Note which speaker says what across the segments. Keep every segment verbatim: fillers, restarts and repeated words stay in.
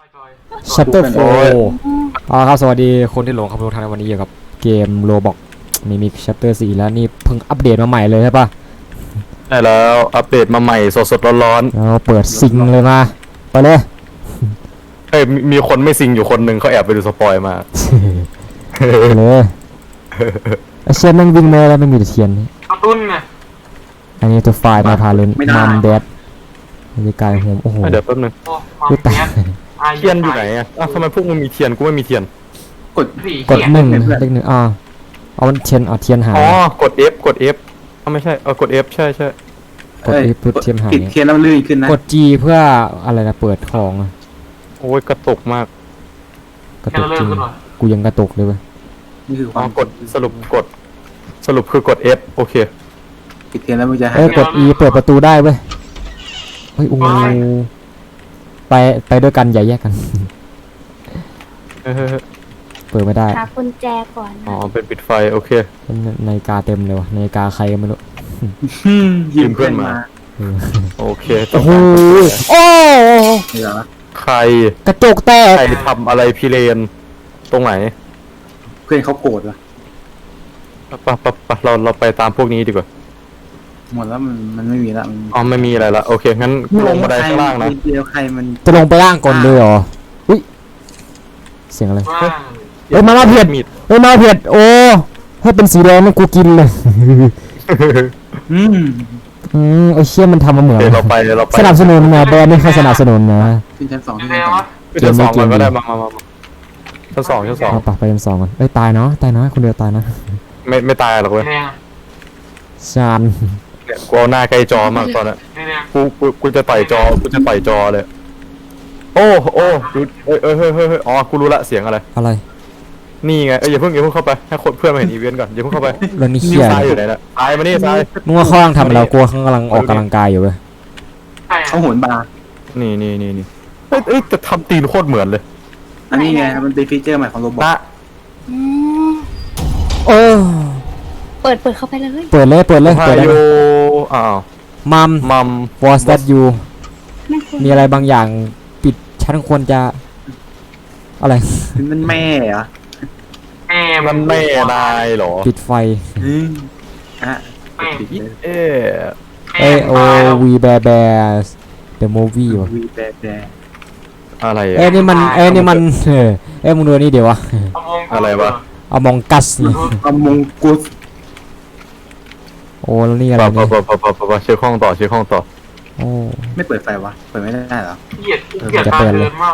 Speaker 1: ชัตเตอร์โฟร์อ๋อครับสวัสดีคนที่หลงครับทุกท่านในวันนี้อยู่กับเกมโรบอกมีมิกชัตเตอร์สี่แล้วนี่เพิ่งอัปเดตมาใหม่เลยใช่ปะ
Speaker 2: ใช่แล้วอัปเดตมาใหม่สดๆร้อน
Speaker 1: เราเปิดซิงเลยมาไปเลย
Speaker 2: ๆเฮ้ยมีมีคนไม่ซิงอยู่คนหนึ่งเขาแอบไปดูสปอยมา
Speaker 1: ไปเลยไอเชนแม่งวิ่งมาแล้วไม่มีแต่เทียน
Speaker 3: กระตุ้นไง
Speaker 1: อันนี้ตัวไฟล์มาพาเลนมัมเดดบรรยากาศโหมโอ้โห
Speaker 2: เดี๋ยวแป๊บนึง
Speaker 3: โอ้มา
Speaker 1: ดูตา
Speaker 3: เทียน
Speaker 2: เทียนอยู่ไหนอ่ะอ้าวทำไมพวกมึงมีเทียนกูไม่มีเทียน
Speaker 3: กดสี
Speaker 1: กด
Speaker 3: เขียน
Speaker 1: หนึ่งเลขหนึ่งอ่าเอามันเทียนเอาเทียนหาย
Speaker 2: อ๋อกด F กด F อ้าวไม่ใช่เออกด F ใช่ใช่
Speaker 1: กดอีพุทเทียนหาย
Speaker 4: ติดเทียนแล้วลื่นขึ้นนะ
Speaker 1: กด G เพื่ออะไรนะเปิดของอะ
Speaker 2: โอ้ยกระตุกมาก
Speaker 1: กระ
Speaker 3: แค่
Speaker 1: ตุก
Speaker 3: เราเริ่
Speaker 1: จริ
Speaker 3: ม
Speaker 1: ง
Speaker 3: ขึ้นมา
Speaker 1: กูยังกระตุกเลยเว้ย
Speaker 4: นี่คือค
Speaker 2: อ๋อ
Speaker 4: วาม
Speaker 2: กดสรุปกดสรุปคือกด F โอเค
Speaker 4: ติดเทียนแล้วมันจะหา
Speaker 1: เอ้
Speaker 4: ย
Speaker 1: ยกด E เปิดประตูได้เว้ยเฮ้ยโอ้โหไปไปด้วยกันอย่าแยกกัน
Speaker 2: เฮ้ยเฮ้ยเฮ้ย
Speaker 1: เปิดไม่ได้
Speaker 5: หากุญแจก่อน
Speaker 2: อ๋อ
Speaker 5: นะ
Speaker 2: เป็นปิดไฟโอเค
Speaker 1: เป็นนาฬิกาเต็มเลยวะนาฬิกาใครก็ไม่รู้
Speaker 4: ยืมเพื่อนมา
Speaker 1: เออ
Speaker 2: โอเคต้
Speaker 1: โอ้
Speaker 2: อง
Speaker 1: โห
Speaker 2: การ
Speaker 1: โอ้
Speaker 4: นี่เหรอ
Speaker 2: ใคร
Speaker 1: กระจกแตก
Speaker 2: ใครทำอะไรพี่เลนตรงไหน
Speaker 4: เพื่อนเขาโกรธวะ
Speaker 2: ปะปะปะเราเราไปตามพวกนี้ดีกว่า
Speaker 4: หมดแล้วมันมันไม่มีละมัน
Speaker 2: อ๋อไม่มีอะไรละโอเคงั้นลงบันไดข้างล่างนะ
Speaker 4: เดียวใครมัน
Speaker 1: จะลงไปล่างก่อนเลยเหรออุ้ยเสียงอะไร
Speaker 3: ว่า
Speaker 1: เฮ้ยมามาเพียด
Speaker 2: มีด
Speaker 1: เฮ้ยมาเพียดโอ้ถ้าเป็นสีแดงมันกูกินเลย
Speaker 4: อืม
Speaker 1: อืมไอเชี่ยมันทำมาเหมือน
Speaker 2: เดี๋ยวเราไปเดี๋ยวเราไป
Speaker 1: สนับสนุนนะแบรนด์ไม่ค่อยสนับสนุนนะ
Speaker 4: ขึ้นชั้นสอง
Speaker 3: ยั
Speaker 4: ขึ้
Speaker 3: ง
Speaker 4: น
Speaker 3: ไง
Speaker 4: ชั้นสอง
Speaker 3: วะ
Speaker 2: ชั้นสองมันก็ได้มามามามาชั้นสองชั้นสอง
Speaker 1: เอาปะไปชั้นสองก่อนเอ้ยตายเนาะตายเนาะคนเดียวตายนะ
Speaker 2: ไม่ไม่ตายหรอกเว้ย
Speaker 3: แดง
Speaker 1: ชาน
Speaker 2: เนี่ยกูเอาหน้าใกล้จอมากตอนนั้น
Speaker 3: แดงแดง
Speaker 2: กูกูกูจะต่อยจอกูจะต่อยจอเลย โอ้โอ้ดูเอ้ยเอ้ยเฮ้ยเฮ้ยเฮ้ยอ๋อกูรู้ละเสียงอะไร
Speaker 1: อะไร
Speaker 2: นี่ไงเอ้ยอย่าเพิ่งอย่าเพิ่งเข้าไปให้คนเพื่อนมาเห็นอีเวนต์ก่อนอย่าเพิ่งเข้าไป
Speaker 1: แล้วนี่
Speaker 2: นี่
Speaker 1: เชี่ย
Speaker 2: ซ้ายอยู่ไหนนะซ้ายมานี่ซ้าย
Speaker 1: นึกว่าเขากำลังทำเรากลัวเขากำลังออกกำลังกายอยู่เว้ย
Speaker 3: ใช่
Speaker 4: เขาโหนบาร์
Speaker 2: นี่นี่นี่นี่เอ้ยเอ้ยแต่ทำตีนโคตรเหมือนเลย
Speaker 4: อันนี้ไงมันเป็นฟีเจอร์ใหม่ของโรบอท
Speaker 2: นะ
Speaker 5: อืม
Speaker 1: โอ้
Speaker 5: เปิดเปิดเข้าไปเลย
Speaker 1: เปิดเลยเปิดเลย
Speaker 2: พา
Speaker 1: เปิดเลย
Speaker 2: ยุอ้าว
Speaker 1: มัม
Speaker 2: มัม
Speaker 1: was that you
Speaker 5: ไม่ควร
Speaker 1: มีอะไรบางอย่างปิดฉันควรจะอะไร
Speaker 4: มันแม่เหรอ
Speaker 3: แม่
Speaker 2: มันแม่นายเหรอ
Speaker 1: ปิดไฟ
Speaker 4: อืมอ่ะ
Speaker 3: แม่
Speaker 4: ปิดเลย
Speaker 2: เอ๊ะ
Speaker 1: เอโอวีแบร์แบร์ the movie วะ
Speaker 4: วีแบแบ
Speaker 2: อะไร
Speaker 1: เอ้ยนี่มันเอ้ยนี่มันเออเอ้ยมึงดูนี่เดี๋ยววะ
Speaker 2: อะไรวะ
Speaker 1: เอามองกัสนี่
Speaker 4: เอามงกุฎ
Speaker 1: โอ้แล้วนี่อะไร
Speaker 2: ปะ
Speaker 1: นี่
Speaker 2: ปะปะปะปะปะเช็คห้องต่อเช็คห้องต่อ
Speaker 1: โอ้
Speaker 4: ไม่เปิดไฟวะเปิดไม่ได้เหรอ
Speaker 3: เกลียดเกลียดการเดินมาก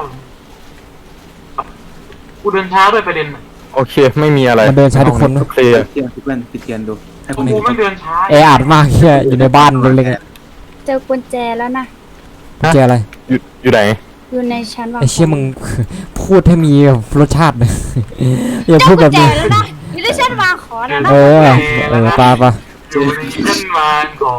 Speaker 3: กูเดินช้าด้วยประเด็น
Speaker 2: โอเคไม่มีอะไร
Speaker 1: มันเดินช้าทุกคน
Speaker 2: ทุ
Speaker 1: นะ
Speaker 2: กเคลียร์
Speaker 4: เทียนเพื่อนปิดเทียนดูให้คน
Speaker 3: กู
Speaker 4: เห็น
Speaker 3: ไม่เดินช้า
Speaker 1: แออัดมากเฮียอยู่ในบ้านเล็กๆอะ
Speaker 5: เจอกุญแจแล้วนะ
Speaker 1: เจออะไร
Speaker 2: อยู่อยู่ไหน
Speaker 5: อยู่ในชั้นวาง
Speaker 1: ไอเชี่ยมึง พูดให้มีรสชาตินะ อย่า
Speaker 5: เจ
Speaker 1: พู
Speaker 5: อ
Speaker 1: ดแบ
Speaker 5: กุ
Speaker 1: บ
Speaker 5: ญแจ
Speaker 1: นี้
Speaker 5: แล้วนะอยู่ในชั้นวางของแล้วนะ
Speaker 1: เออเออปาปะ
Speaker 3: อยู่ในเส้นวางของ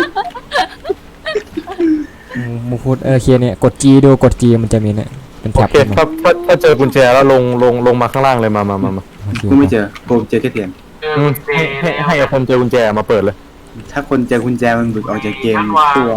Speaker 1: มึงมึงพูดเออเคเนี่ยกด G ดูกด G มันจะมีเนี่ยเป็น
Speaker 2: โอ
Speaker 1: แท็บ
Speaker 2: เคถ้าถ้าถ้าเจอกุญแจแล้วลงลงลงมาข้างล่างเลยมามามามา
Speaker 1: โอเค
Speaker 4: กูไม่เจอกูเจอแค่เทียน
Speaker 3: เจอ
Speaker 2: อืม
Speaker 3: กุญแจ
Speaker 2: ให้ให้ให้คนเจอกุญแจมาเปิดเลย
Speaker 4: ถ้าคนเจอกุญแจมันหลุดออกจากเกม
Speaker 3: ชั้นวาง
Speaker 4: ตัว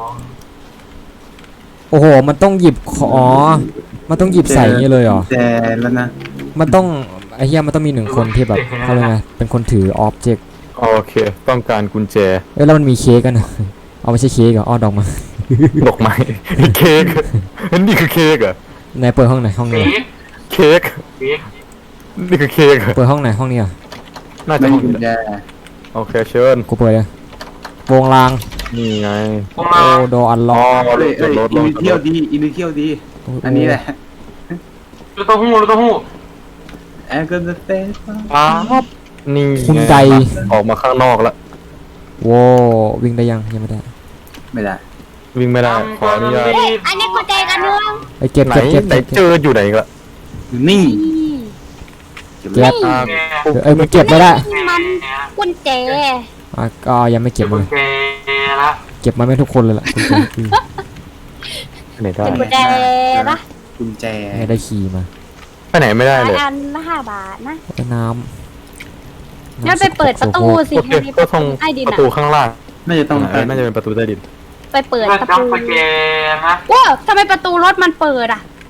Speaker 1: โอ้โหมันต้องหยิบของอ๋อมันต้องหยิบใส่อย่างนี้เลยเหรอ
Speaker 4: แจแล้วนะ
Speaker 1: มันต้องไอ้เหี้ยมันต้องมีหนึ่งคนที่แบบเขาเรียกไงเป็นคนถือออบเจกต์
Speaker 2: โอเคต้องการกุญแจ
Speaker 1: เอ้ยแล้วมันมีเค้กกันนะเอาไม่ใช่เค้กเหรออ้อดอกมา
Speaker 2: ดอกไม้เค้กนี่คือเค้กเหรอ
Speaker 1: ไหนเปิดห้องไหนห้องนี้
Speaker 3: เค้ก
Speaker 2: เค้ก
Speaker 3: เค้ก
Speaker 2: นี่คือเค้กเหรอ
Speaker 1: เปิดห้องไหนห้องนี้เหรอ่ะ
Speaker 2: น่าจะ
Speaker 4: ไม่
Speaker 2: ห้
Speaker 4: มี
Speaker 2: อง
Speaker 4: กุญ
Speaker 2: นี้
Speaker 4: แจ
Speaker 2: โอเคเชิญ
Speaker 1: กูเปิดเลยวงราง
Speaker 2: นี่ไง
Speaker 3: ผม
Speaker 1: โอ้
Speaker 3: มา
Speaker 1: โดอันล็
Speaker 2: อ๋
Speaker 1: อ
Speaker 2: อก
Speaker 4: เอ้ย
Speaker 2: จ
Speaker 4: เอ้
Speaker 2: ด
Speaker 4: ย
Speaker 2: รถร
Speaker 4: อิ
Speaker 2: ถ
Speaker 4: นเที่ยวดีอินเที่ยวดี อันนี้แหละ
Speaker 3: ลูกเต้าหู้ลูกเต้าหู้
Speaker 4: แอนก็จะเต้น
Speaker 2: ปั๊บนี่
Speaker 1: คุณใด
Speaker 2: ออกมาข้างนอกแล้ว
Speaker 1: โว้วิ่งได้ยังยังไม่ได้
Speaker 4: ไม่ได้
Speaker 2: วิ่งไม่ได้ขออนุญาต
Speaker 5: เฮ้ยอันนี้กุญแจกันเนื่อง
Speaker 1: ไอ้เก็บ
Speaker 2: ไหน
Speaker 1: เก็บเก็บ
Speaker 2: ไหน
Speaker 1: เก็บ
Speaker 2: เจออยู่ไหนอีกละ
Speaker 4: อยู่นี่
Speaker 5: นี่
Speaker 4: เก็บ
Speaker 1: เก็
Speaker 4: แล้
Speaker 1: บ
Speaker 4: ว
Speaker 2: อ่า
Speaker 1: เอ้ยมันเก็บไม่ได้
Speaker 5: มันกุญแจ
Speaker 1: อ่ะก็ยังไม่เก็บ
Speaker 3: กุ
Speaker 1: มา
Speaker 3: ญ
Speaker 1: เลย
Speaker 3: แจละ
Speaker 1: เก็บมาไม่ทุกคนเลยล่ะคุณผู้ชมอืม
Speaker 2: ไหนได้
Speaker 5: เป็นกุญแจปะ
Speaker 4: กุญแจ
Speaker 1: ไม่ได้ขี่มา
Speaker 2: ไปไหนไม่ได้เลย
Speaker 5: อันละห้าบาทนะ
Speaker 1: ไอ้น้ำ
Speaker 5: งั้นไปเปิดประตูสิ
Speaker 2: โอเค
Speaker 5: ให้
Speaker 2: ก็ตรง
Speaker 5: ใต้ดิน
Speaker 2: ประ
Speaker 5: อะ
Speaker 2: ตูข้างล่าง
Speaker 4: น่าจะต้อง
Speaker 2: เออน่าจะเป็นประตูใต้ดิน
Speaker 5: ไปเปิด
Speaker 3: เพื่อ
Speaker 5: ประ
Speaker 3: จับ
Speaker 5: ตู
Speaker 3: สแกนนะ
Speaker 5: ว้าทำไมประตูรถมันเปิดอ่ะ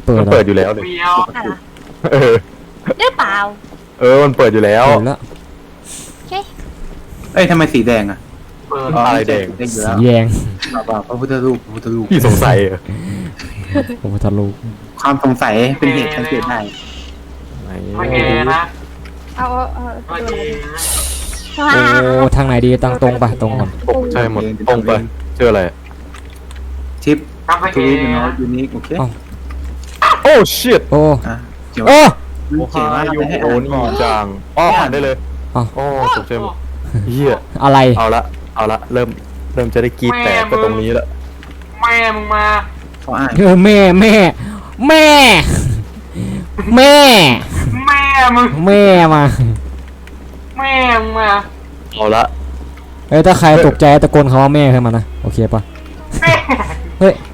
Speaker 1: เปิด
Speaker 2: มัน
Speaker 1: เหรอ
Speaker 2: เปิดอยู่แล้วเลย
Speaker 3: เดียว
Speaker 5: อะไร
Speaker 2: เออ
Speaker 5: หรือเปล่า
Speaker 2: เออมันเปิดอยู่แล้ว
Speaker 1: เปิดแล้ว
Speaker 5: โอเค
Speaker 4: เอ้ยทำไมสีแดงอ่ะ
Speaker 3: เปิด
Speaker 2: อะไรแดง
Speaker 4: แดงอยู่
Speaker 1: สี
Speaker 4: แล้ว
Speaker 1: แดง
Speaker 4: เปล่าๆพระพุทธรูปพระพุทธรูป
Speaker 2: พี่สงสัยเหรอ
Speaker 1: พระพุทธรูป
Speaker 4: ความสงสัยเป็นเหตุสังเกตได้
Speaker 2: ไหน
Speaker 3: โอเคนะ
Speaker 5: เอาเอาเอา
Speaker 3: โอ
Speaker 5: เอา
Speaker 3: เค
Speaker 5: ดูหน่อย
Speaker 1: โอ้ทางไหนดีตั้งตรงไปตรงก่อน
Speaker 2: ใช่หมดตรงไปเจออะไร
Speaker 4: ทิป
Speaker 3: กาแฟ
Speaker 4: ทวีตเนาะยูนิคโอเค
Speaker 2: โอ้ชิต
Speaker 1: โอ้
Speaker 4: อ่ะเกี่ยว
Speaker 1: โอ้
Speaker 2: โอ้
Speaker 4: เขียนว่า
Speaker 2: ฮา
Speaker 4: จะ
Speaker 2: ยู
Speaker 4: ให้
Speaker 2: โอ
Speaker 4: อ่าน
Speaker 2: นี่
Speaker 4: ก่อน
Speaker 2: จังอ๋ออ่านได้เลย
Speaker 1: อ้าว
Speaker 2: โอ้ตกใจหมดเฮีย
Speaker 1: อะไร
Speaker 2: เอาละเอาละเริ่มเริ่มจะได้กรีดแตกไปตรงนี้ละ
Speaker 3: แม่มึงมา
Speaker 4: เขาอ่าน
Speaker 1: เออแม่แม่แม่แม่
Speaker 3: แม่มึง
Speaker 1: แม่มา
Speaker 3: แม่มึงมา
Speaker 2: เอาละ
Speaker 1: เอ้ยถ้าใครตกใจตะโกนคำว่าแม่ขึ้นมานะโอเคปะ
Speaker 3: แม่
Speaker 1: เฮ้ย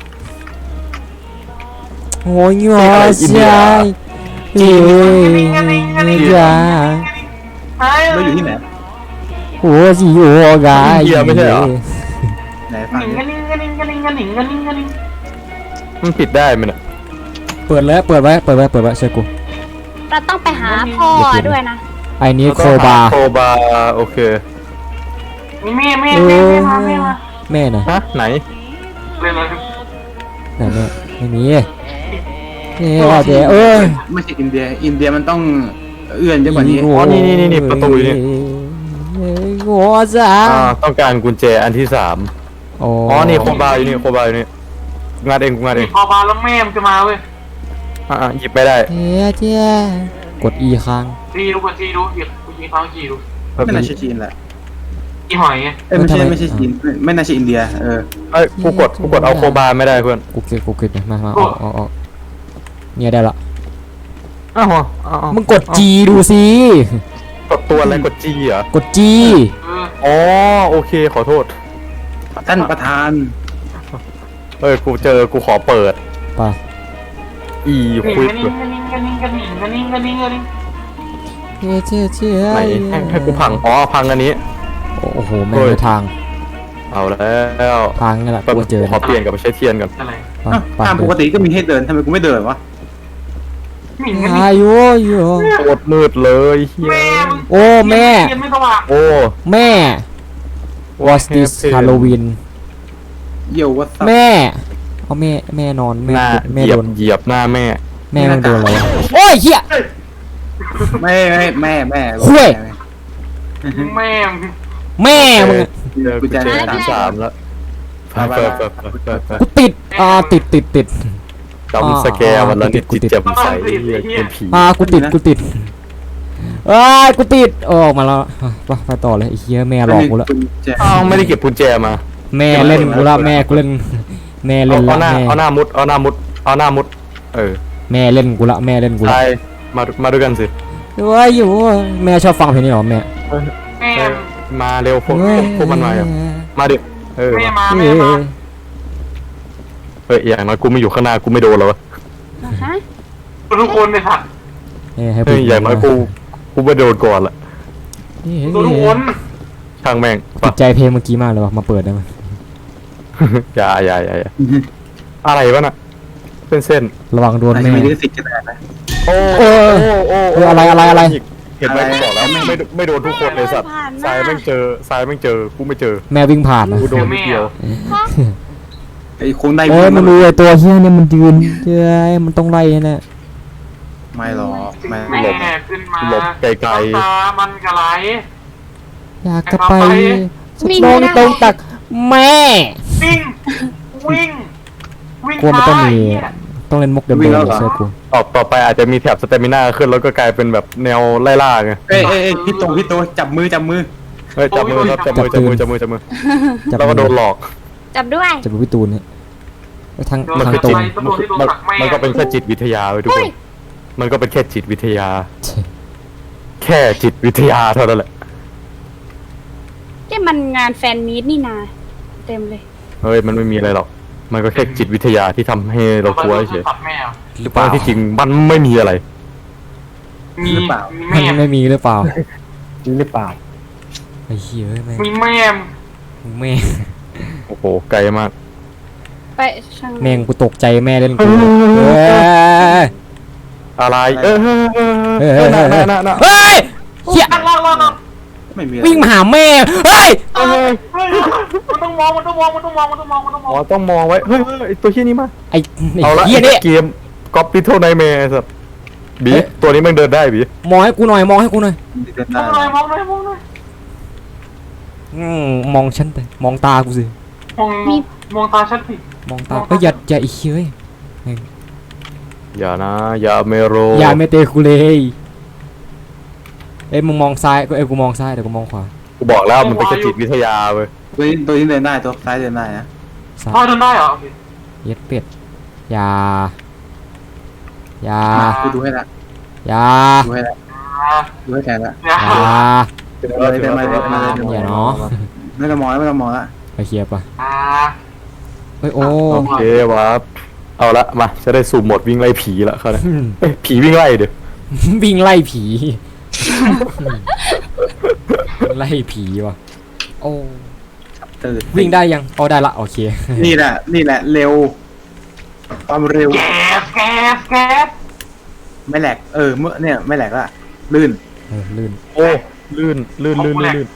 Speaker 1: โอ้ยงอใช่เฮ้ยจ้า
Speaker 4: เราอยู่ที่ไหน
Speaker 1: โอ้ยโอ้กาย
Speaker 4: ไหนฟัง
Speaker 3: หนิง
Speaker 4: ดิ
Speaker 3: กระนิ่งกระนิ่งกระนิ่งกระนิ่งกระนิ่งกระนิ่ง
Speaker 2: มันปิดได้ไหมเนี่ย
Speaker 1: เปิดแล้วเปิดไว้เปิดไว้เปิดไว้เชื่อกู
Speaker 5: เราต้องไปหาพ่อด้วยนะ
Speaker 1: ไอ้นี้โคบา
Speaker 2: โคบาโอเค
Speaker 3: มีแม่แม่แม่แม่มาแม่มา
Speaker 1: แม่นะ
Speaker 2: ฮะไหน
Speaker 3: เลยเลย
Speaker 1: ไหนแม่ไม่มีนี่ว่าแต่เอ้ย
Speaker 4: ไม่ใช่อินเดีย อินเดียมันต้องเอื้อนเยอะกว่านี้
Speaker 2: อ๋อนี่นี่นี่นี่ประตูนี่
Speaker 1: โง่จ้า
Speaker 2: อ่าต้องการกุญแจอันที่สาม
Speaker 1: โอ้
Speaker 2: อ๋อนี่โคบาอยู่นี่โคบาอยู่นี่งานเองกูงานเอ
Speaker 3: นี่
Speaker 2: ง
Speaker 3: พอบาแล้วแม่มึงจะมาเว้ย
Speaker 2: อ่าหยิบไม่ได้
Speaker 1: เจ๊เจ๊กด E ค้าง
Speaker 3: จีดูกันจีดูหยิบกูยิงเขาจีดู
Speaker 4: ไม่น่าใช่จีนแหละ
Speaker 3: อีหอยไง
Speaker 4: เอ้ยไม่ใช่ไม่ใช่จีนไม่ไม่น่าใช่อินเดีย เออ
Speaker 2: เอ้ยกูกดกูกดเอาโคบาไม่ได้เพื่อน
Speaker 1: กูเก็บกูเก็บมามาเอาเอาเอาเนี่ยได้ละ
Speaker 2: อ้าวอ้าว
Speaker 1: มึงกด G ดูสิ
Speaker 2: กดตัวอะไรกดจีเหรอก
Speaker 1: ด G
Speaker 3: เออ
Speaker 2: อ๋อโอเคขอโทษ
Speaker 4: ท่านประธาน
Speaker 2: เอ้ยกูเจอกูขอเปิด
Speaker 1: ไป
Speaker 2: อี
Speaker 3: หนิง
Speaker 2: ควิ
Speaker 3: ก
Speaker 2: ก
Speaker 3: ระนิ่งกระนิ่งกระนิ่งกระนิ่งกระนิ่งกระนิ่งกระนิ่ง
Speaker 1: เจ๊เจ๊
Speaker 2: ไหนให้ให้กูพังอ๋อพังอันนี้
Speaker 1: โอ้โหแม่งไม่ทาง
Speaker 2: เอาแล้ว
Speaker 1: ทางนี่แหละ
Speaker 2: แป๊บ
Speaker 1: กูเจอ
Speaker 2: ขอเปลี่ยนกลับไปใช้เทียนก่อน
Speaker 3: อะไร
Speaker 1: ไป
Speaker 4: อ้าว
Speaker 1: ไป
Speaker 4: ตามปกติก็มีให้เดินทำไมกูไม่เดินวะ
Speaker 3: หนิงกระนิ่ง
Speaker 1: อายุโย
Speaker 2: โคตรมืดเลยเฮีย
Speaker 3: แม่มึง
Speaker 1: โอ้แม่
Speaker 3: เทียนไม่สว่าง
Speaker 2: โอ้
Speaker 1: แม่ What's this Halloween
Speaker 4: เยี่ยววัด
Speaker 1: แม่เอาแม่แม่นอน
Speaker 2: ห
Speaker 1: แม่
Speaker 2: น้า
Speaker 1: แม่
Speaker 2: เหยีย
Speaker 1: โด
Speaker 2: บ
Speaker 1: น
Speaker 2: เหยียบหน้าแม่
Speaker 1: แม่มันโดนอะไรวะโอ้ยเหี้ย
Speaker 4: ไม่ไม่แม่แม่
Speaker 1: คุย
Speaker 3: แม่มึง
Speaker 1: แม่มึงอะ
Speaker 2: เจอกุญแจอันที่สามแล้วไปไปไปไปไปไป
Speaker 1: กูติดอ่าติดติดติด
Speaker 2: จำสแกร์วันละนิดจิตแจ่มใสเรียกเป็นผี
Speaker 1: อ่ากูติดกูติดเอ้ยกูติดโอ้ออกมาแล้วไปไปต่อเลยไอ้เหี้ยแม่หลอกกูแล้ว
Speaker 2: อ้าวไม่ได้เก็บกุญแจมา
Speaker 1: แม่เล่นกูละแม่กูเล่นแม่
Speaker 2: เอา
Speaker 1: เล่น
Speaker 2: เอา
Speaker 1: ละ
Speaker 2: หน้า
Speaker 1: แม่
Speaker 2: เอาหน้ามุดเอาหน้ามุดเอาหน้ามุดเออ
Speaker 1: แม่เล่นกูละแม่เล่นกูละ
Speaker 2: ใช่มามาด้วยกันสิ
Speaker 1: เว้ยอยู่แม่ชอบฟังเพลงนี้เหรอแม่
Speaker 3: แม่
Speaker 2: เออมาเร็วพวกพวกมันมาอ่ะมาดิเออ
Speaker 3: แม่มา
Speaker 1: เฮ้
Speaker 3: แม่มา
Speaker 1: ย
Speaker 2: เฮ้ยอย่างน้อยกูไม่อยู่ข้างหน้ากูไม่โดนหรอวะ
Speaker 5: ฮะ
Speaker 3: ทุกคนเลยค่ะ
Speaker 1: เฮ้ยให้
Speaker 2: เฮ้ยอย่างน้อยกูกูไม่โดนก่อนละ
Speaker 3: ทุกคน
Speaker 2: ช่างแม่ง
Speaker 1: ติดใจเพลงเมื่อกี้มากเลยว่ะมาเปิดได้ไหม
Speaker 2: อย่าอย่าอย่าอย่าอะไรวะน่ะเป็นเส้น
Speaker 1: ระวังโดน
Speaker 4: อาจ
Speaker 1: แม่
Speaker 4: จะมีลิขสิทธิ์ก็ได้นะ
Speaker 2: โอ้
Speaker 1: เออ
Speaker 2: โอ้
Speaker 1: เอออะไรอะไรอะไร
Speaker 2: เห็นไหมกูบอกแล้วไม่ไม่ไม่โดนทุกคนเลยสัตว์ทรายแม่งเจอทรายแม่งเจอกูไม่เจอ
Speaker 1: แม่วิ่งผ่านนะ
Speaker 2: กูโดนนิดเดียว
Speaker 4: ไอ้คงได้
Speaker 1: โอ้ยมันรู้ไอ้ตัวเฮี้ยเนี่ยมันยืนเจ้ยมันต้องไล่แน่
Speaker 4: ไม่หรอกไม่
Speaker 3: แม่ขึ้นมา
Speaker 2: หลบไกล
Speaker 3: ตามันกระไร
Speaker 1: อยากจะไปสุดโลงตรงตักแม่
Speaker 3: วิ่งวิ่งวิ่ง
Speaker 1: กลัวมันต้องมีต้องเล่นมุกเดิมๆเลยเชื่อกู
Speaker 2: ๆต่อต่อไปอาจจะมีแถบสเตมิน่าขึ้นแล้วก็กลายเป็นแบบแนวไล่ล่าไง
Speaker 4: เอ้ยเอ้ยเอ้ยพี่โตพี่โตจับมือจับมือ
Speaker 2: เฮ้ยจับมือครับจับมือจับมือจับมือจับมือแล้วก็โดนหลอก
Speaker 5: จับด้วย
Speaker 1: จะเป็นพี่ตูนเนี่ยทาง
Speaker 2: มัน
Speaker 1: ทาง
Speaker 2: คือ
Speaker 1: ตร
Speaker 2: จิ
Speaker 1: ง
Speaker 2: ตมันคือมันมันก็เป็นแค่จิตวิทยาเว้ยทุกคนมันก็เป็นแค่จิตวิทยา แค่จิตวิทยาเท่านั้นแหละ
Speaker 5: ที่มันงานแฟนมีตนี่นาเต็มเลย
Speaker 2: เฮ้ยมันไม่มีอะไรหรอกมันก็แค่จิตวิทยาที่ทำให้เรากลัวเฉย
Speaker 3: ตัดแม่
Speaker 1: หรือเปล่า
Speaker 2: ที่จริงมันไม่มีอะไร
Speaker 3: มี
Speaker 1: มั
Speaker 3: แม่
Speaker 1: นไม่มีหรือเปล่า
Speaker 2: หรือเปล่า
Speaker 1: ไอ้เหี้ยแม่
Speaker 3: มีแม่
Speaker 1: แม่
Speaker 2: โอ้โหไกลมาก
Speaker 5: ไปช่าง
Speaker 1: แม่งกูตกใจแม่เล่นกูเออ
Speaker 2: อะไรเออเออเออ
Speaker 1: เฮ้ย
Speaker 2: เอ
Speaker 1: เฮ้
Speaker 2: อย น่ะ
Speaker 1: เฮ้ย
Speaker 2: น่ะน่ะ
Speaker 1: เฮ้ยเฮีย
Speaker 3: ล่างล่างล่าง
Speaker 4: ไม่มีอะไร
Speaker 1: วิ่งมาหาแม่เฮ้ย
Speaker 2: เฮ้ย
Speaker 3: เฮ้ยมันต้องมองมันต้องมองมันต้องมองมันต้องมองมันต้องม
Speaker 2: อ๋
Speaker 3: อ
Speaker 2: อง ต้องมองไว้เฮ้ยเฮ้ยไอ้ตัวเฮี้ยนี่มา
Speaker 1: ไอ้ไอ้
Speaker 2: เอาละ
Speaker 1: เฮียนี่
Speaker 2: เกมก๊อปปี้เท่าไนแมร์สัตว์บีตัวนี้มันเดินได้บี
Speaker 1: มองให้กูหน่อยมองให้กูหน่อย
Speaker 4: เดิน
Speaker 3: ม
Speaker 4: ได้
Speaker 3: องเลยมองเลยมองเลย
Speaker 1: อืมมองฉันไปมองตากูสิ
Speaker 3: มองมองตาฉันสิ
Speaker 1: มองตาเฮ้ยอย่าอย่าอีเฮ้ย
Speaker 2: อย่านะอย่าเมโร
Speaker 1: อย่าเมเตกูเลยเอ้ยมึงมองซ้ายก็เอ้ยกูมองซ้ายเดี๋ยวกูมองขวา
Speaker 2: กูบอกแล้วมันเป็นแค่จิตวิทยาเว้ย
Speaker 4: ตัวนี้ตัวนี้เดินได้ตัวซ้ายเดินได้นะ
Speaker 1: ซ้า
Speaker 3: พ่อย เดินได้เหรอ
Speaker 1: เย็ดเป็ดอย่าอย่า
Speaker 4: มากูดูให้ละ
Speaker 1: อย่า
Speaker 4: ดูให้ละ
Speaker 3: อ่า
Speaker 4: ดูให้แทนละ
Speaker 3: เดี๋ยว
Speaker 1: อย่า
Speaker 4: เดินมาเลยเดินมาเลยเดินมาเลยเดินมา
Speaker 1: อย่า
Speaker 4: เลย
Speaker 1: เนาะ
Speaker 4: ไม่ต้องมองแล้วไม่ต้องมองละ
Speaker 1: ไปเคลียร์ปะ
Speaker 3: อ่า
Speaker 1: เฮ้ยโอ้
Speaker 2: โอเควะเอาละมาจะได้สูบหมดวิ่งไล่ผีละเขาเนี่ยเอ้ยผีวิ่งไล่เดี๋ยว
Speaker 1: วิ่งไล่ผีไล่ผีว่ะโอ้
Speaker 4: ตื่น
Speaker 1: วิ่งได้ยังเอาได้ละโอเค
Speaker 4: นี่แหละนี่แหละเร็วความเร็ว
Speaker 3: แก๊สแก๊สแก๊ส
Speaker 4: ไม่แหลกเออเมื่อเนี่ยไม่แหลกละลื่น
Speaker 1: เออลื่น
Speaker 2: โอ้ลื่นลื่นลื่นลื่นลื่น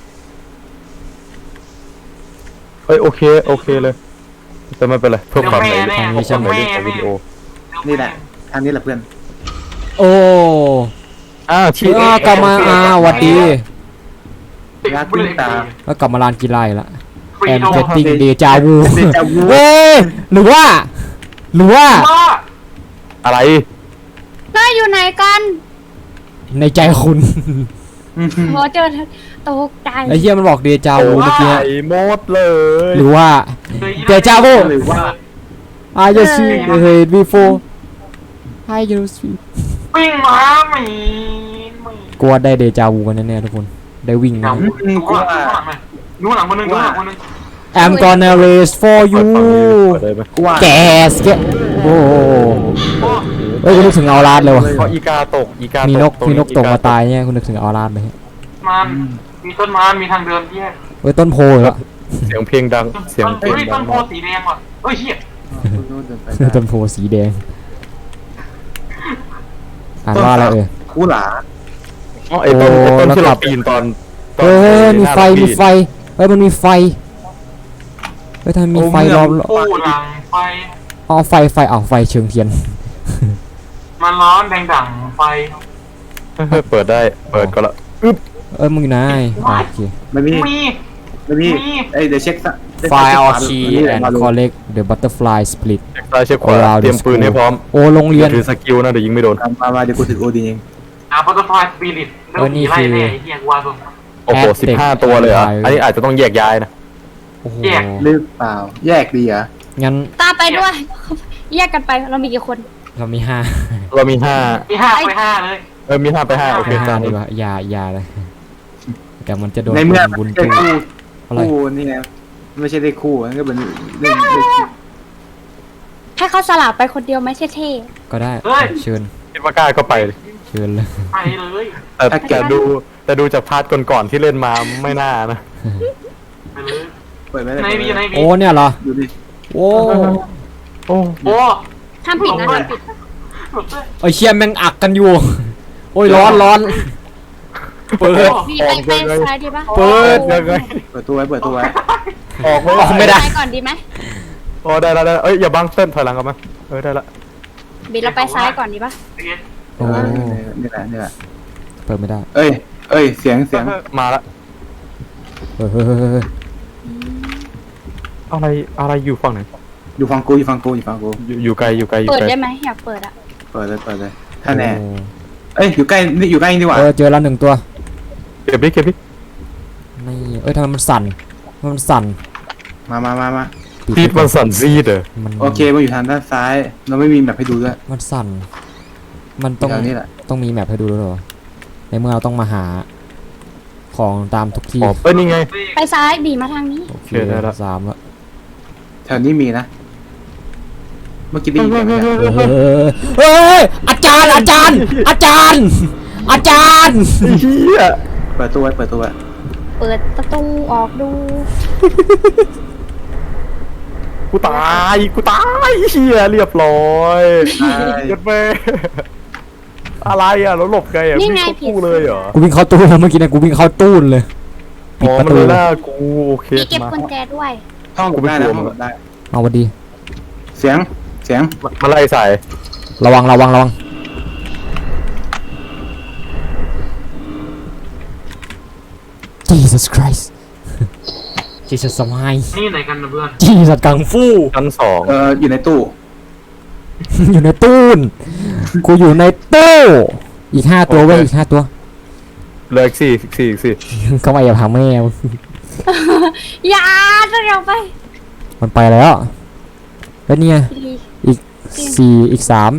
Speaker 2: เฮ้ยโอเคโอเคเลยแต่ไม่เป็นไรเพื่อความในเพื่อความในเรื่องของวิดีโอ
Speaker 4: นี่แหละทางนี้แหละเพื่อน
Speaker 1: โอ้
Speaker 2: อ่าที่
Speaker 1: เออกลับมาอ่าหวัดดี
Speaker 4: รักวิ่งตาม
Speaker 1: แล้วกลับมาลานกีฬาอีกละ
Speaker 3: ฟรี
Speaker 1: แอม
Speaker 3: โด
Speaker 1: เกตติ้งเดจาวู
Speaker 4: เดจาวู
Speaker 1: เว้ยหรือว่า หรือว่า
Speaker 3: ว่า
Speaker 2: อะไร
Speaker 5: นายอยู่ไหนกัน
Speaker 1: ในใจคุณ
Speaker 5: โหเจอตกใจ
Speaker 1: ไอ้เหี้ยมันบอกเดจาวูเมื่อกี้
Speaker 2: ไอ้หมดเลย
Speaker 1: หรือว่า เดจาวู
Speaker 4: หรือว่า
Speaker 1: I just see the head before I just see
Speaker 3: วิ่งมาหมีหมี
Speaker 1: กลัวได้เดจาวูกันแน่ๆทุกคน ได้วิ่ง
Speaker 3: เดี๋ยว
Speaker 1: นะ
Speaker 3: ดูข้างหลังไหมดูหลังคนนึงดูหลังคนนึง
Speaker 1: I'm gonna race for
Speaker 2: เปิ
Speaker 1: you
Speaker 2: ดฝั่งนี้เปิดได้ไหม
Speaker 4: กูว่า
Speaker 1: แกสแกโอ้โหเอ้ยคุณนึกถึงเอาลาดเลยวะ
Speaker 2: เพราะอีกาตกอีกา
Speaker 1: มี
Speaker 2: มี
Speaker 1: นกมีนกตกมาตายเนี่ยคุณนึกถึงเอาลาดไหม
Speaker 3: มันมีต้นไม้มีทางเดินแยก
Speaker 1: เอ้ยต้นโพเหรอ
Speaker 2: เสียงเพลงดังเสียงเพล
Speaker 3: เฮ้
Speaker 2: ง
Speaker 3: ย
Speaker 2: ดั
Speaker 3: ต้
Speaker 2: ง
Speaker 3: นโพสีแดงว่ะเฮ้ยเฮีย
Speaker 4: เดินไปได้
Speaker 1: ต้นโพสีแดงอ่านว่าอะไรเอ่ย
Speaker 4: คูหลา
Speaker 2: อ๋อไอ้ต้นไอ้ต้นที่เราปีนตอนตอน
Speaker 1: เฮ้ยมีไฟ
Speaker 2: หน้า
Speaker 1: มีไฟเฮ้ยมันมีไฟเฮ้ยทำไมมีไฟล้อม
Speaker 3: ปูหลังไฟ
Speaker 1: อ๋อไฟไฟเอาไฟเชิงเทียน
Speaker 3: มันร้อนแดงดั่งไฟ
Speaker 2: เฮ้ยเปิดได้เปิดก็ละอึ๊บ
Speaker 1: เอ้ยมึงอยู่ไหนอ่ะโอเค
Speaker 4: ไม่มี
Speaker 3: มี
Speaker 4: ไม่มี
Speaker 3: มี
Speaker 4: เอ้ยเดี๋ยวเช็คซะ
Speaker 1: ไฟออคีแอนด์ collect the butterfly split
Speaker 2: เช็คซ้ายเช็คขวา
Speaker 1: Around the
Speaker 2: เตรียมปืนให้พร้อม
Speaker 1: โอ้โรงเรี
Speaker 2: เรี
Speaker 1: ย
Speaker 2: ย
Speaker 1: น
Speaker 2: นถือสกิลนะเดี๋ยวยิงไม่โดน
Speaker 4: มามามาเดี๋ยวกูถือโอดีเอง
Speaker 3: อ่ะบัตเตอร์ฟลายสปิริตแล้วผีไล่แน่ไอ้เฮียกูว่าตัว
Speaker 2: โอ้โห
Speaker 1: Aztec
Speaker 2: สิบห้าตัวเลยเหรอ่ะ
Speaker 1: Empire
Speaker 2: อันนี้อาจจะต้องแยกย้ายนะ
Speaker 1: โอ้โห
Speaker 3: แยก
Speaker 4: หรือเปล่าแยกดีเหรอ
Speaker 1: งั้น
Speaker 5: ตามไปด้วย แยกกันไปเรามีกี่คน
Speaker 1: เรามีห้า
Speaker 2: เรามีห้า
Speaker 3: มีห้าไปห้าเลย
Speaker 2: เออมีห้าไปห้าโอเค
Speaker 1: มีห้า
Speaker 2: ตาม
Speaker 1: ดี
Speaker 2: นี้
Speaker 1: กว่าอย่าอย่าเลยแต่มันจะโดน
Speaker 4: ในเมื่อ
Speaker 1: บุญ
Speaker 4: ไม่
Speaker 1: ตู้
Speaker 4: ใช่คู่
Speaker 1: อะไร
Speaker 4: คู่นี่ไงไม่ใช่ได้คู่มันก็เป็นเล่นเล่น
Speaker 5: ให้เขาสลับไปคนเดียวไหมเท่
Speaker 1: ก็ได้เชิญ
Speaker 2: คิดว่ากล้าก็ไปเลย
Speaker 1: เชิญเลย
Speaker 3: ไปเลย
Speaker 2: แต่แต่ดูแต่ดูจากพาร์ทก่อนๆที่เล่นมาไม่น่านะ
Speaker 3: ไปเลย
Speaker 4: เปิดไม่ได้
Speaker 3: ในบีในบี
Speaker 1: โอ้เนี่ยเหรอ
Speaker 4: ดูดิ
Speaker 1: โอ้
Speaker 2: โอ้
Speaker 3: โอ้
Speaker 5: ๆทำผิดนะทำผิด
Speaker 3: หลุดเลย
Speaker 1: ไอเชี่ยแม่งอักกันอยู่ โอ้ยร้อนร้อนเปิด
Speaker 5: มีไปไปซ้ายดีปะ
Speaker 1: เปิด
Speaker 2: ยังไง
Speaker 4: เปิดตัวไว้เปิดตัวไว้
Speaker 2: ออกไม่
Speaker 1: ออกไม่ได้
Speaker 5: ซ้ายก่อนดีไหม
Speaker 2: อ๋อได้แล้วได้แล้วเอ้ยอย่าบังเต้นถอยหลังกลับมาเออได้ละ
Speaker 5: บีเราไปซ้ายก่อนดีปะ
Speaker 1: โอ้
Speaker 4: นี่แหละนี่แหละ
Speaker 1: เปิดไม่ได้
Speaker 4: เอ้ยเอ้ยเสียงเสียง
Speaker 2: มาละ
Speaker 1: เฮ้ยเฮ้ยเฮ้ยเฮ้ย
Speaker 2: อะไรอะไรอยู่ฝั่งไหน
Speaker 4: อยู่ฟังกูอยู่ฟังกูอยู่ฟังกู
Speaker 2: อยู่อยู่ไกลอยู่ไกลอยู่
Speaker 5: เปิด
Speaker 2: ไกล
Speaker 5: ได้ไหมอยากเปิดอะ
Speaker 4: เปิดเลยเปิดเลยถ้าแน่
Speaker 1: โอ้
Speaker 4: เอ้ยอยู่ใกล้นี่อยู่ใกล้นี่ดีกว่า
Speaker 1: เออเจอแล้วหนึ่งตัว
Speaker 2: เก็บดิเก็บดิ
Speaker 1: นี่เอ้ยทำไมมันสั่นทำไมมันสั่น
Speaker 4: มามามามา
Speaker 2: พีทมันสั่นซีดเหรอ
Speaker 1: มัน
Speaker 4: โอเคมันอยู่ทางด้านซ้าย เราไม่มีแบบให้ดูด้วย
Speaker 1: มันสั่น มันต้อง
Speaker 4: แถวนี้แหละ
Speaker 1: ต้องมีแมปให้ดูด้วยเหรอ ในเมื่อเราต้องมาหา ของตามทุกที่
Speaker 2: อ๋อเอ้ยนี่ไง
Speaker 5: ไปซ้ายบีมาทางนี้
Speaker 1: โอเค
Speaker 2: โอเคได้ละ
Speaker 1: สามแล้ว
Speaker 4: แถวนี้มีนะ เมื่อกี้ได้ยินเสียงไหมเนี่ย
Speaker 1: เฮ้ยเฮ้ยอาจารย์อาจารย์ อาจารย์ อาจารย์
Speaker 2: เฮีย
Speaker 4: เปิดตัวไว้เปิดตัวไว้
Speaker 5: เปิดประตูออกดู
Speaker 2: กูตายกูตายเฮียเรียบร้อย
Speaker 4: ใช่
Speaker 2: เกิดไปอะไรอ่ะแล้วหลบไงอ่ะ
Speaker 5: นี่
Speaker 2: วิ่ง
Speaker 5: ไง
Speaker 2: เข้า
Speaker 5: ผิด
Speaker 2: ตู้เลยเหรอ
Speaker 1: กูวิ่งเข้าตู้แล้วเมื่อกี้เนะกูวิ่งเข้าตู้เลย
Speaker 2: อ๋อ
Speaker 1: ปิดประตู
Speaker 2: มันเลยหน้ากูโอเค
Speaker 5: มีเก็บ
Speaker 2: มา
Speaker 5: กุญแจด้วย
Speaker 4: ห้องหลบได้นะห้องหลบได้
Speaker 1: เอาวันดี
Speaker 4: เสียงเสียง
Speaker 2: มาไล่ใส่
Speaker 1: ระวังระวังระวัง Jesus Christ Jesus สมัย
Speaker 3: นี่ไหนกันนะเพื่อน
Speaker 1: Jesus กังฟู
Speaker 2: ชั้นสอง
Speaker 4: เอออยู่ในตู้
Speaker 1: อยู่ในตู้นกูอยู่ในตู้อีกห้าตัวเว้ยอีกห้าตัว
Speaker 2: เหลืออีกสี่อีกสี่อีกสี่
Speaker 1: เข้ามาอย่าพังแม่มึง
Speaker 5: อย่าจะเร็วไป
Speaker 1: มันไปแล้วแล้วเนี่ย
Speaker 5: ดี
Speaker 1: อีกสี่อีกสาม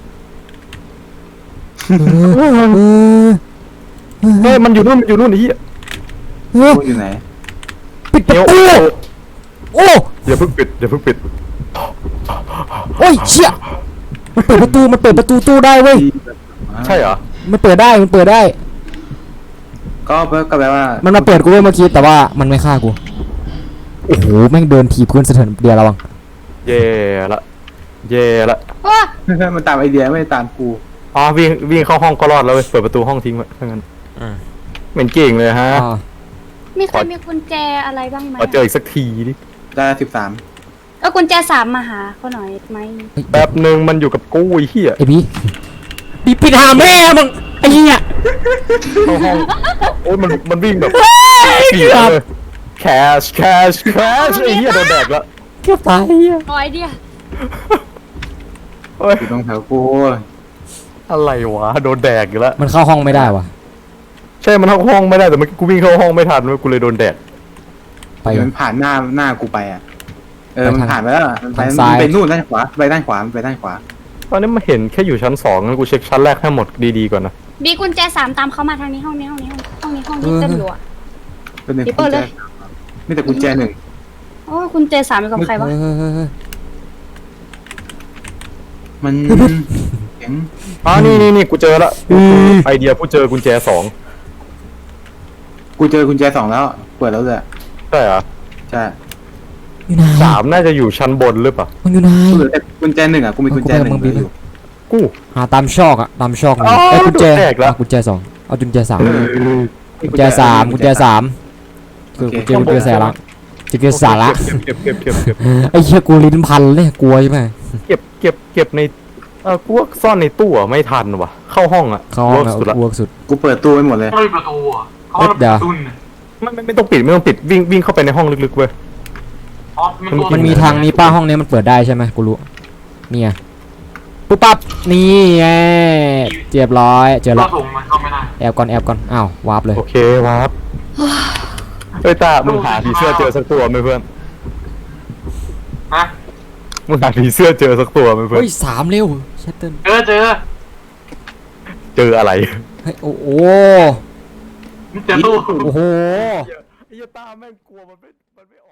Speaker 1: เออเออ
Speaker 2: เฮ้ยมันอยู่นู่นมันอยู่นู่นไอ้เหี้ย
Speaker 1: เออ
Speaker 4: ตู้อยู่ไหน
Speaker 1: ปิดประ
Speaker 2: เดี๋ยว
Speaker 1: ตูโอ้
Speaker 2: อย่าเพิ่งปิดอย่าเพิ่งปิด
Speaker 1: โอ้ยเชี่ยมันเปิดประตูมันเปิดประตูตู้ได้เว้ย
Speaker 2: ใช่เหรอ
Speaker 1: มันเปิดได้มันเปิดได้
Speaker 4: ก็ก็แปลว่า
Speaker 1: มันมาเปิดกูเว้ยเมื่อกี้แต่ว่ามันไม่ฆ่ากูโอ้โหแม่งเดินถีบพื้นสะเทือนเดียวระวัง
Speaker 2: เย่ละเย่ละ
Speaker 5: โอ้
Speaker 4: มันตามไอเดียไม่ได้ตามกู
Speaker 2: อ๋อวิ่งวิ่งเข้าห้องก็รอดแล้วเว้ยเปิดประตูห้องทิ้งไว้ถ้างั้นเหม็นเก่งเลยฮะ
Speaker 1: อ่า
Speaker 5: มีใครมีกุญแจอะไรบ้างไหม
Speaker 2: มาเจออีกสักทีดิ
Speaker 4: ได้สิบสาม
Speaker 5: เออกุญแจสามมาหาเขาหน่อยไหม
Speaker 2: แป๊บหนึ่งมันอยู่กับกูไอ้เหี้ย
Speaker 1: ไอ้บีบีปิดหาแม่มึงไอ้เหี้ย
Speaker 2: เข้าห้องโอ้ยมันมันวิ่งแบบ
Speaker 1: เกือบ
Speaker 2: แคชแคชแคชไอ้เหี้ยโดนแดกแล้ว
Speaker 1: เกือบตายไอ้เหี้ย
Speaker 5: ร้อยเดียว
Speaker 2: เฮ้ย
Speaker 4: อยู่ตรงแถวกู
Speaker 2: อะไรวะโดนแดกอีกแล้ว
Speaker 1: มันเข้าห้องไม่ได้วะ
Speaker 2: ใช่มันเข้าห้องไม่ได้แต่เมื่อกี้กูวิ่งเข้าห้องไม่ทันเว้ยกูเลยโดนแดก
Speaker 1: ไป
Speaker 4: เดี๋ยว
Speaker 1: ก่อ
Speaker 4: มัน นผ่านหน้าหน้ากูไปอ่ะเออ
Speaker 1: ไปทาง
Speaker 4: มันผ่านไปแล้วอะมันไป
Speaker 1: ทาง
Speaker 4: มัน
Speaker 1: ซ้าย
Speaker 4: ไปนู่นด้านขวาไปด้านขวามันไปด้านขวา
Speaker 2: ตอนนี้มาเห็นแค่อยู่ชั้นสองงั้นกูเช็คชั้นแรกให้หมดดีๆก่อนนะ
Speaker 5: บีกุญแจสามตามเขามาทางนี้ห้องนี้ห้องนี้ห้องนี้ห้องนี้เต็มอยู่อ่ะ
Speaker 4: เป็นหนึ่ง
Speaker 5: หยิบ
Speaker 4: กุ
Speaker 5: เปิ
Speaker 4: ญ
Speaker 5: ด
Speaker 4: แจ
Speaker 5: เลย
Speaker 4: มีแต่กุญแจหนึ่ง
Speaker 5: โอ้ยกุญแจสามอยู่กับใครวะ
Speaker 1: เออเออเออเออ
Speaker 4: มันเสียง
Speaker 2: อ๋อนี่นี่นี่กูเจอละไอเดียกูเจอกุญแจสอง
Speaker 4: กูเจอกุญแจสองแล้วเปิดแล้วเลย
Speaker 2: ใช่เหรอ
Speaker 4: ใช่
Speaker 1: อยู่ไหน
Speaker 2: สามน่าจะอยู่ชั้นบนหรือเปล่า
Speaker 1: มึงอยู่ไหน
Speaker 4: กูเหลือแต่กุญแจหนึ่งอ่ะกูมีกุญแจหนึ่ง
Speaker 1: มึงไป
Speaker 4: เหลืออยู่
Speaker 2: กู
Speaker 1: หาตามชอกอะตามชอกมี
Speaker 2: อ๋อ
Speaker 1: ไอ้ยกุญแจ
Speaker 2: แตกแล้ว
Speaker 1: เอากุญแจสองเอากุญแจสาม
Speaker 4: เออ
Speaker 1: กุญแจสามกุญแจสามคือกุญแจกุญแจสาระกุญแจสาระ
Speaker 2: เก็บเก็บเก็บเก็บเก็บ
Speaker 1: ไอ้เหี้ยกูลิ้นพันเลยกลัวใช่ไหม
Speaker 2: เก็บเก็บเก็บในเออกูว่าซ่อนในตู้อะไม่ทันว่ะเข้าห้องอะ
Speaker 1: เขาห้อง
Speaker 2: เวิร์ก
Speaker 1: อะ
Speaker 2: สุดละ
Speaker 1: เวิร์กสุด
Speaker 4: กูเปิดตู้ไว้หมดเลย
Speaker 3: เขามีประตูอ่ะเขา
Speaker 1: เอ้ยเดี๋ยว
Speaker 3: ตุ้นน่ะ
Speaker 2: ไม่ไม่ไม่ต้องปิดไม่ต้องปิดวิ่งวิ่งเข้าไปในห้องลึกๆเว้ย
Speaker 3: อ๋อมันตัว
Speaker 1: มันมีทางนี้ป้าห้องนี้มันเปิดได้ใช่ไหมกูรู้เนี่ยปุ๊บปั๊บนี่ไงเรียบร้อยเจอ
Speaker 3: เรา
Speaker 1: ละ
Speaker 3: ส่งมันเข้าไม่ได้
Speaker 1: แอบก่อนแอบก่อนอ้าววาร์ปเลย
Speaker 2: โอเควาร์ปเฮ้ยตามึงหาผีเสื้อเจอสักตัวไหมเพื่อน
Speaker 3: ฮะ
Speaker 2: มึงหาผีเสื้อเจอสักตัวไหมเพื่อน
Speaker 1: เฮ้ยสามเร็วชัตเติ้ล
Speaker 3: เจอเจอ
Speaker 2: เจออะไร
Speaker 1: เฮ้ยโอ้โห
Speaker 3: มันเจอตู้
Speaker 1: โอ้โห
Speaker 2: ไอ้ยาตาแม่งกลัวมันไม่มันไม่